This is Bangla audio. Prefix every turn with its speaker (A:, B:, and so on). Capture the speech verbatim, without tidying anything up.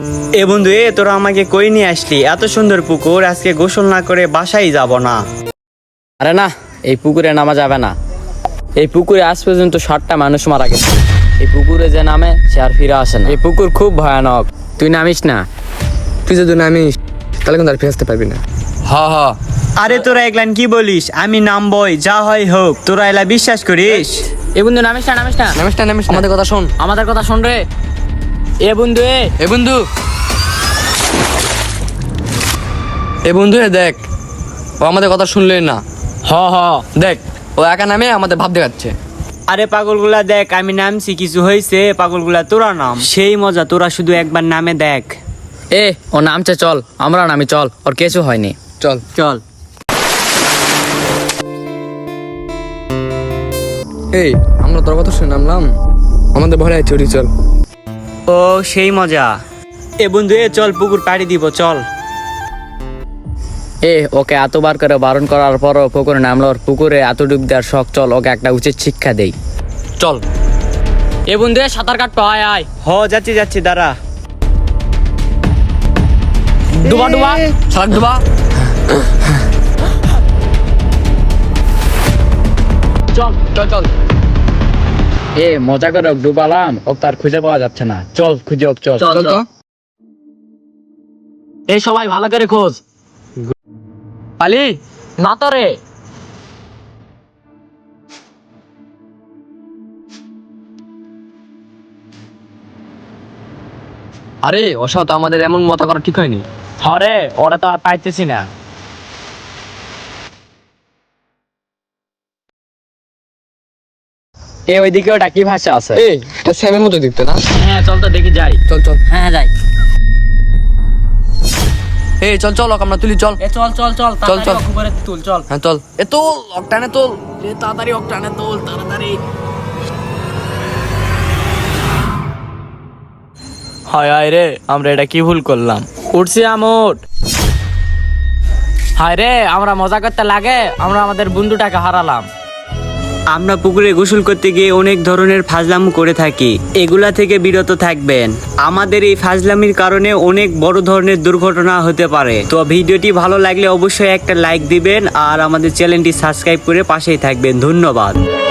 A: এ বন্ধু, এ তোরা আমাকে কই নিয়ে আসলি? এত সুন্দর পুকুর, আজকে গোসল না করে বাসায় যাব না।
B: আরে না, এই পুকুরে নামা যাবে না। এই পুকুরে আজ পর্যন্ত ষাটটা মানুষ মারা গেছে। এই পুকুরে যে নামে সে আর ফিরে আসে না। এই পুকুর খুব ভয়ানক, তুই নামিস না।
C: তুই যদি নামিস তাহলে কিন্তু আর ফিরে আসতে পারবি না।
B: হ হ
A: আরে তোরা এগুলান কি বলিস? আমি নামবই, যা হয় হোক। তোরা এলা বিশ্বাস করিস?
B: এ বন্ধু নামিস না, নামিস না,
C: নামিস না নামিস না। আমাদের কথা শোন।
B: আমাদের কথা শোন রে। এ বন্ধু এ
C: এ বন্ধু এ বন্ধু এ দেখ, ও আমাদের কথা শুনলে না।
B: হ হ
C: দেখ, ও একা নামে আমাদের ভাব দেখাচ্ছে।
A: আরে পাগলগুলা দেখ, আমি নামছি, কিছু হয়েছে? পাগলগুলা তোরা নাম, সেই মজা। তোরা শুধু একবার নামে দেখ।
B: এ ও নামছে, চল আমরা নামি, চল, ওর কিছু হয়নি,
C: চল
B: চল।
C: এই আমরা তোর কথা শুনে নামলাম, আমাদের ভয় আছে। ওটি চল।
A: ও সেই মজা। এ বন্ধু, এ চল, পুকুর পাড়ি দিব, চল।
B: এ ওকে এতবার করে বারণ করার পরও পুকুরে নামলো। ওর পুকুরে এত ডুব দেওয়ার শখ, চল ওকে একটা উচিত শিক্ষা দেই,
C: চল।
B: এ বন্ধু এ সাঁতার কাটতো, আয় আয়।
A: হ, যাচ্ছি যাচ্ছি, দাঁড়া।
B: ডুবা ডুবা
C: শাক ডুবা।
B: চল চল চল। এ মজা করে ওকে ডুবালাম, ও তার খুঁজে পাওয়া যাচ্ছে না। চল খুঁজে হোক, চল
C: চল তো।
B: এই সবাই ভালো করে খোঁজ।
C: পালি
B: না তো রে।
C: আরে ওসব তো আমাদের এমন মতো করা ঠিক হয়নি।
B: হরে ওরা তো আর পাইতেছি না। এ ওইদিকে ওটা কি ভাষা আছে?
C: এই এটা স্যামের মতো দেখতে না?
B: হ্যাঁ চল তো দেখি যাই।
C: চল চল।
B: হ্যাঁ যাই।
C: এই চল চল, ওকে আমরা তুলি, চল।
B: এ চল চল চল,
C: চল, চল।
B: উপরে তুল, চল।
C: হ্যাঁ চল। এ তোল, অকটানে তোল। এ তাড়াতাড়ি অকটানে তোল, তাড়াতাড়ি।
A: হায় হায় রে, আমরা এটা কি ভুল করলাম?
B: উঠছি আমুট। হায় রে, আমরা মজা করতে লাগে আমরা আমাদের বন্ধুটাকে হারালাম।
A: আমরা পুকুরে গোসল করতে গিয়ে অনেক ধরনের ফাজলাম করে থাকি, এগুলা থেকে বিরত থাকবেন। আমাদের এই ফাজলামির কারণে অনেক বড় ধরনের দুর্ঘটনা হতে পারে। তো ভিডিওটি ভালো লাগলে অবশ্যই একটা লাইক দিবেন আর আমাদের চ্যানেলটি সাবস্ক্রাইব করে পাশেই থাকবেন। ধন্যবাদ।